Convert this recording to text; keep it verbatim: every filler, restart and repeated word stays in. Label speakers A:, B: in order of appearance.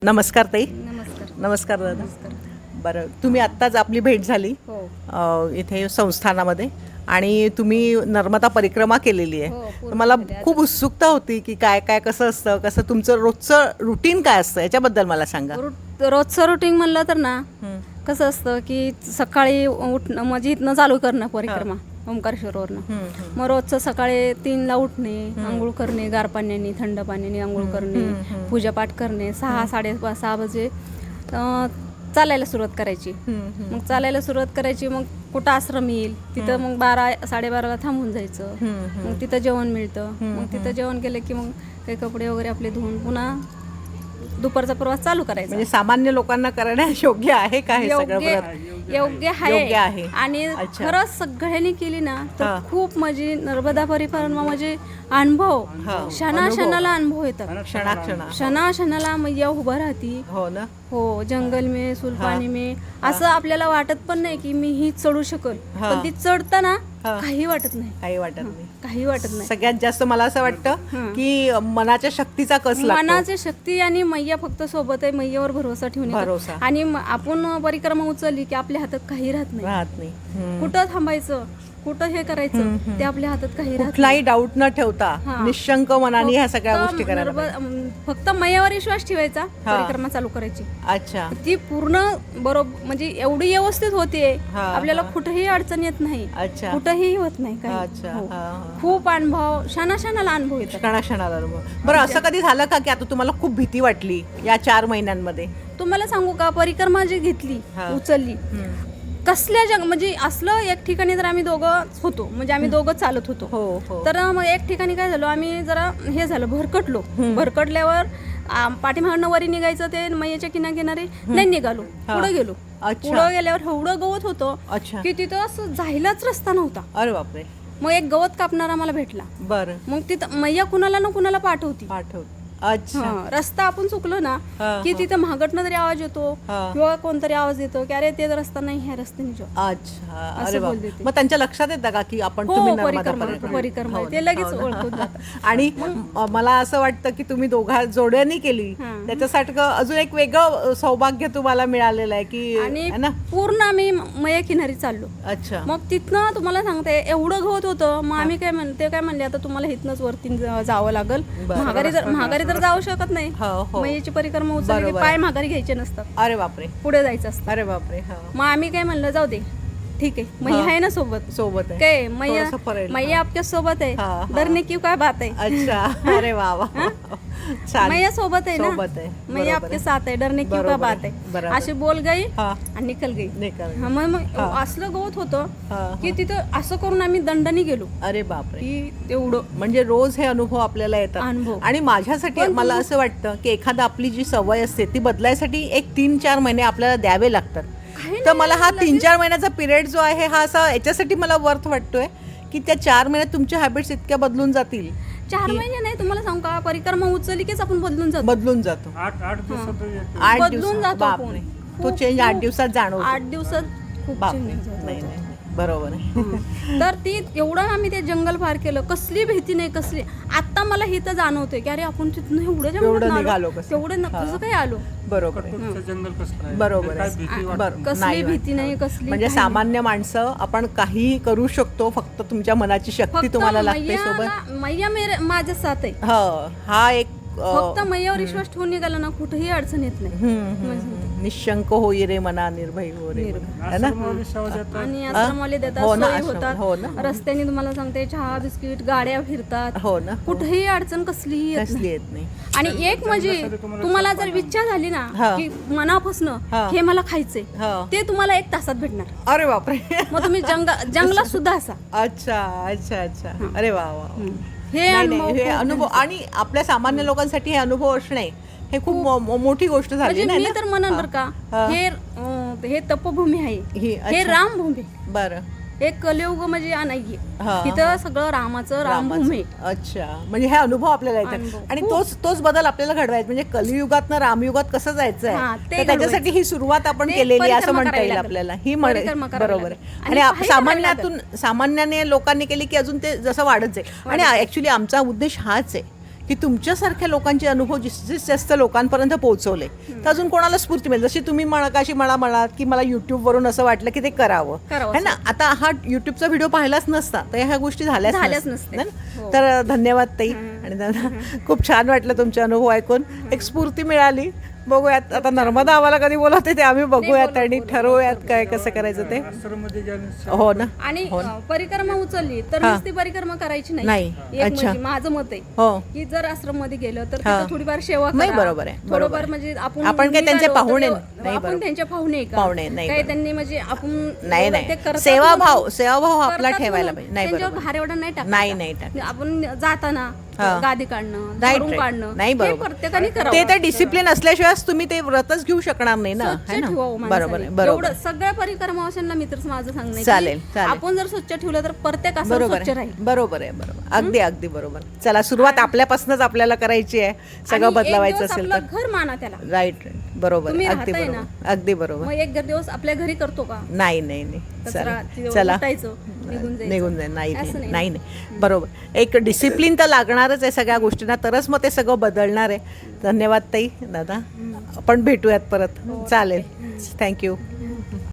A: नमस्कार ताई.
B: नमस्कार.
A: नमस्कार दादा.
B: नमस्कार.
A: बरं, तुम्ही आत्ताच आपली भेट झाली
B: हो
A: अ, इथे संस्थानामध्ये आणि तुम्ही नर्मदा परिक्रमा केलेली
B: हो,
A: आहे.
B: पूर्ण
A: तर मला
B: केली.
A: खूप उत्सुकता होती की काय काय कसं असतं, कसं तुमचं रोजचं रुटीन काय असतं याच्याबद्दल मला सांगा.
B: रूट रोजचं रुटीन म्हणलं तर ना
A: हं.
B: कसं असतं की सकाळी उठणं म्हणजे इथनं चालू करणं परिक्रमा ओंकारेश्वरवरनं.
A: हं, हं.
B: मग रोजचं सकाळी तीनला उठणे, आंघोळ करणे, गार पाण्याने थंड पाण्याने आंघोळ करणे, पूजापाठ करणे, सहा साडे सहा वाजे अं, चालायला सुरुवात करायची.
A: हं, हं.
B: मग चालायला सुरुवात करायची. मग कुठं आश्रम येईल तिथं मग बारा साडेबाराला थांबून जायचं.
A: हं, हं.
B: मग तिथं जेवण मिळतं. मग तिथं जेवण केलं की मग काही कपडे वगैरे आपले धुवून पुन्हा दुपारचा प्रवास चालू करायचा.
A: म्हणजे सामान्य लोकांना करण्यास योग्य आहे का हे सगळं
B: योग्य
A: व्रत?
B: योग्य
A: योग्य आहे.
B: आहे आणि
A: अच्छा.
B: खरंच सगळ्यांनी केली ना तर
A: हा.
B: खूप म्हणजे नर्मदा परिक्रमा म्हणजे अनुभव
A: हा.
B: क्षणा क्षणाला अनुभव येतात.
A: क्षणाक्षणा.
B: क्षणा क्षणाला मैया उभं राहती.
A: हो ना.
B: हो, जंगल में सुलपानी में असं आपल्याला वाटत पण नाही की मी ही चढू शकल.
A: हा.
B: पण ती चढताना
A: हा.
B: काही वाटत नाही.
A: काही वाटत नाही.
B: काही वाटत नाही.
A: सगळ्यात जास्त मला असं वाटतं की मनाच्या शक्तीचा कस लागतो.
B: मनाची शक्ती आणि मैया फक्त सोबत आहे. मैयावर भरोसा ठेवून
A: भरोसा.
B: आणि म- आपण परिक्रमा उचलली की आपल्या हातात काही राहत नाही.
A: राहत नाही. हं.
B: कुठं थांबायचं, कुठं हे करायचं ते आपल्या हातात काही राहत
A: कुठलाही डाऊट न ठेवता
B: हा.
A: निशंक मनाने ह्या सगळ्या
B: फक्त
A: गोष्टी करायला
B: नर्मदा-
A: पाहिजे.
B: अम, फक्त मैयावर विश्वास ठेवायचा.
A: हा.
B: परिक्रमा चालू करायची.
A: अच्छा.
B: ती पूर्ण बरोबर म्हणजे एवढी व्यवस्थित होते.
A: हा,
B: आपल्याला
A: हा.
B: कुठेही अडचण येत नाही.
A: अच्छा.
B: कुठेही होत नाही काही.
A: अच्छा.
B: हो.
A: हा, हा.
B: खूप अनुभव क्षणा क्षणाला अनुभव येतात.
A: क्षणाक्षणाला अनुभव. बरं, असं कधी झालं का की आता तुम्हाला खूप भीती वाटली या चार महिन्यांमध्ये?
B: तुम्हाला सांगू का, परिक्रमा जी घेतली
A: हा.
B: उचलली
A: हं.
B: कसल्या जग म्हणजे असलं एक ठिकाणी तर आम्ही दोघं होतो म्हणजे आम्ही दोघं चालत होतो.
A: हो हो.
B: तर मग एक ठिकाणी काय झालं, आम्ही जरा हे झालं भरकटलो. भरकटल्यावर आ, पाठीमागनं वरी निघायचं ते मैयाच्या किनारी नाही निघालो.
A: हा.
B: पुढे गेलो.
A: अच्छा.
B: पुढे गेल्यावर एवढं गवत होतं
A: अच्छा.
B: की तिथं असं जायलाच रस्ता नव्हता.
A: अरे बापरे.
B: मग एक गवत कापणारा मला भेटला.
A: बरं.
B: मग तिथं मैया कुणाला ना कुणाला पाठवती.
A: पाठव. अच्छा.
B: हा, रस्ता आपण चुकलो ना
A: हा,
B: की
A: हा.
B: तिथं महागटनं तरी आवाज येतो
A: हा.
B: किंवा कोणतरी आवाज येतो की अरे ते रस्ता नाही, ह्या रस्त्याने जाऊ.
A: अच्छा.
B: असं
A: अरे
B: बोलते
A: बाप.
B: ते.
A: मग त्यांच्या लक्षात येतं का की आपण
B: हो,
A: तुम्ही नर्मदा
B: परिक्रमा-
A: परिक्रमा-
B: परिक्रमा आहे.
A: हो
B: ते
A: ना,
B: लगेच
A: हो ना.
B: ओळखून जातात.
A: आणि म- मला असं वाटतं की तुम्ही दोघा जोड्यांनी केली
B: हा.
A: त्याच्यासाठी अजून एक वेगळं सौभाग्य तुम्हाला मिळालेलं आहे की
B: आणि
A: है ना.
B: पूर्ण आम्ही मया किनारी चाललो.
A: अच्छा.
B: मग तिथनं तुम्हाला सांगते एवढं गवत होतं. मग आम्ही काय म्हणते काय म्हणले आता तुम्हाला इथनंच वरती जा- जावं लागल.
A: बरं.
B: महागारी जर महागारी तर जाऊ शकत नाही.
A: हो हो.
B: मयेची परिक्रमा उचलली की
A: बरोबर.
B: पाय महागारी घ्यायचे नसतात,
A: अरे बापरे.
B: पुढे जायचं असतं.
A: अरे बापरे. हा.
B: मग आम्ही काय म्हणलं जाऊ दे ठीक आहे, मैया
A: हा.
B: आहे ना सोबत.
A: सोबत आहे.
B: काय मैया
A: थोडंसं परेल.
B: मैया आपल्या सोबत आहे.
A: हा, हा.
B: डरने की काय बात आहे.
A: अच्छा. अरे वा वा. छान.
B: मैया सोबत आहे ना.
A: सोबत आहे.
B: मैया
A: बरोबर
B: आपके
A: आहे.
B: साथ है, डरने की
A: बरोबर
B: क्या
A: आहे.
B: बात आहे.
A: बरोबर.
B: अशी बोल गई
A: हा.
B: आणि निकल गई.
A: निकाल.
B: हा, मग मग
A: हा.
B: असलं गवत होतं
A: हा, हा.
B: की तिथं असं करून आम्ही दंडाने गेलो
A: अरे बापरे.
B: की तेवढं
A: म्हणजे रोज हे अनुभव आपल्याला येतात.
B: अनुभव.
A: आणि माझ्यासाठी
B: पण
A: मला
B: तुम्ही-
A: असं वाटतं की एखादा आपली जी सवय असते ती बदलायसाठी एक तीन चार महिने आपल्याला द्यावे लागतात.
B: काही
A: तर
B: नाही,
A: मला हा
B: लगेच-
A: तीन चार महिन्याचा पिरियड जो आहे हा असा याच्यासाठी मला वर्थ वाटतोय की त्या चार महिन्यात तुमच्या हॅबिट्स इतक्या बदलून जातील.
B: चार महिने नाही, तुम्हाला सांगू का, परिक्रमा उचलली कीच आपण बदलून जातो.
A: बदलून जातो.
C: आठ आठ दिवसात येतो.
A: आठ
B: बदलून
A: दिवसात.
B: जातो
A: बापरे.
B: आपण.
A: तो
B: खूप-
A: चेंज आठ
B: खूप-
A: दिवसात जाणवतो.
B: आठ दिवसात खूप
A: बापरे.
B: change होतो.
A: नाही नाही बरोबर आहे.
B: तर ती एवढं आम्ही ते जंगल पार केलं, कसली भीती नाही कसली. आता मला हे तर जाणवतंय की अरे आपण तिथून एवढं
A: एवढं
B: जंगलात
A: निघालो
B: आलो,
A: कसं.
B: तेवढं न-
A: हा.
B: कसं काय आलो.
A: बरोबर आहे.
C: तुमचं जंगल कसं आहे?
A: बरोबर
C: काय
A: आहे.
C: भीती
B: आ-
C: वाटते?
A: बरं.
B: कसली
A: नाही
B: भीती नाही कसली
A: म्हणजे
B: काही
A: सामान्य माणसं आपण काहीही करू शकतो, फक्त तुमच्या मनाची
B: नाही.
A: शक्ती
B: फक्त
A: तुम्हाला लागते
B: मैयाला-
A: सोबत.
B: मैया मेरे माझ्या साथ आहे.
A: हो, हा एक अ,
B: फक्त मैयावर विश्वास ठेवून निघाला ना कुठेही अडचण येत नाही.
A: हम्म, हम्म, हम्म. निशंक होई रे मना, निर्भय हो रे
B: निर्भय.
A: मना. है ना.
C: आश्रमवाले सेवा देतात.
B: आणि
A: हा?
B: आश्रमवाले देतात,
A: हो ना,
B: सोयी
A: आश्रम- हो ना.
B: होतात. रस्त्याने तुम्हाला सांगते चहा बिस्किट गाड्या फिरतात.
A: हो ना.
B: कुठेही अडचण कसलीही येत
A: कसली
B: नाही.
A: येत नाही.
B: आणि एक म्हणजे
C: जंगलासाठी तुम्हाला
B: तुम्हाला जर इच्छा झाली ना
A: हा.
B: की मनापासनं
A: हा.
B: हे मला खायचंय,
A: हा.
B: ते तुम्हाला एक तासात भेटणार.
A: अरे बापरे.
B: मग तुम्ही जंग जंगलात सुद्धा असा.
A: अच्छा अच्छा अच्छा. अरे वा वा.
B: हे
A: नाही
B: अनुभव
A: नाही हे
B: खूप
A: अनुभव आणि आपल्या सामान्य लोकांसाठी हे अनुभव असणे हे खूप मो- मोठी गोष्ट झाली
B: म्हणजे
A: नाही
B: मी
A: ना?
B: तर म्हणन बर का,
A: हा.
B: हे अं, हे तपभूमी आहे,
A: ही
B: हे
A: अच्छा.
B: रामभूमी.
A: बरं.
B: हे कलियुग म्हणजे आ नाहीये.
A: हा,
B: इथं सगळं रामाचं रामभूमी आहे.
A: रामाचं. अच्छा. म्हणजे हे अनुभव आपल्याला येतात
B: अनुभव.
A: आणि
B: खूप.
A: तोच तोच बदल आपल्याला घडवायचा म्हणजे कलियुगात रामयुगात कसं जायचं
B: हा,
A: आहे
B: ते
A: तर त्याच्यासाठी ही सुरुवात आपण
B: ते
A: केलेली आहे असं
B: परिक्रमा
A: म्हणता येईल
B: करायला
A: आपल्याला. ही म्हण
B: परिक्रमा करायला
A: बरोबर
B: लागेल.
A: आहे.
B: आणि
A: आणि आप-
B: पायी करायला
A: सामान्यातून सामान्याने लोकांनी केली की अजून ते जसं वाढत जाईल. आणि ऍक्च्युली आमचा उद्देश हाच आहे की तुमच्यासारख्या लोकांचे अनुभव जास्तीत जास्त लोकांपर्यंत पोहोचवले तर अजून कोणाला स्फूर्ती मिळेल. जशी तुम्ही मगाशी मला म्हणालात की मला युट्यूबवरून असं वाटलं की ते करावं
B: करावं
A: है ना. आता हा युट्यूबचा व्हिडिओ पाहिलाच नसता तर ह्या गोष्टी झाल्याच
B: झाल्याच
A: नसत्या.
B: नसत्या.
A: है ना?
B: हो.
A: तर धन्यवाद ताई आणि दादा खूप छान वाटलं तुमचे अनुभव ऐकून. एक स्फूर्ती मिळाली. बघूयात आता नर्मदा आम्हाला कधी बोलवते ते आम्ही बघूयात आणि ठरवूयात काय कसं करायचं ते.
C: आश्रममध्ये गेल्याने
A: हो ना.
B: आणि अ, परिक्रमा उचलली तर
A: हा.
B: नुसती परिक्रमा करायची
A: नाही.
B: नाही. एक
A: अच्छा.
B: म्हणजे माझं मत आहे
A: हो
B: की जर आश्रम मध्ये गेलं तर
A: हा.
B: तिथं थोडीफार सेवा
A: नाही,
B: करा.
A: बरोबर आहे, बरोबर
B: थोडंफार
A: आहे.
B: म्हणजे आपण
A: आपण काय त्यांचे
B: निघालो तर
A: पाहुणे
B: देव-
A: नाही,
B: आपण
A: बरोबर.
B: त्यांचे पाहुणे आहे का?
A: पाहुणे नाही,
B: काही
A: बरोबर.
B: त्यांनी म्हणजे आपण
A: नाही
B: एवढं ते
A: नाही
B: करतात
A: सेवाभाव
B: म्हणून-
A: सेवाभाव आपला
B: करतात
A: ठेवायला
B: म्हणून
A: पाहिजे. नाही
B: त्यांच्यावर
A: बरोबर.
B: भार एवढा नाही टाकायचा.
A: नाही नाही टाक
B: आपण जाताना
A: हा.
B: गादी काढणं
A: Right,
B: झाडून
A: right.
B: काढणं
A: नाही
B: हे
A: बरोबर.
B: प्रत्येकाने
A: ते
B: करावं.
A: तर डिसिप्लिन असल्याशिवाय तुम्ही ते व्रतच घेऊ शकणार नाही ना.
B: स्वच्छ
A: है ना
B: ठेवावं
A: बरोबर
B: माणसाने.
A: आहे, बरोबर
B: एवढं सगळ्या परिक्रमावाशांना मी तर माझं सांगणं आहे की
A: चालेल, चालेल.
B: आपण जर स्वच्छ ठेवलं तर प्रत्येक असं
A: बरोबर
B: स्वच्छ
A: आहे
B: राहील.
A: बरोबर आहे बरोबर अगदी अगदी बरोबर. चला सुरुवात आपल्यापासूनच आपल्याला करायची आहे. सगळं
B: आणि एक
A: बदलवायचं
B: दिवस
A: असेल
B: आपलं
A: तर
B: घर माना त्याला.
A: राईट राईट बरोबर
B: तुम्ही
A: अगदी
B: राहताय
A: बरोबर अगदी बरोबर.
B: मग एक दिवस आपल्या घरी करतो का
A: नाही नाही नाही
B: कचरा
A: चला
B: तिथं
A: चला
B: उठायचं, निघून जायचं.
A: निघून जाईल नाही
B: असं
A: नाही
B: नाही.
A: नाही नाही बरोबर. एक डिसिप्लिन तर लागणारच आहे सगळ्या गोष्टींना तरच मग ते सगळं बदलणार आहे. धन्यवाद ताई दादा आपण भेटूयात परत चालेल थँक्यू.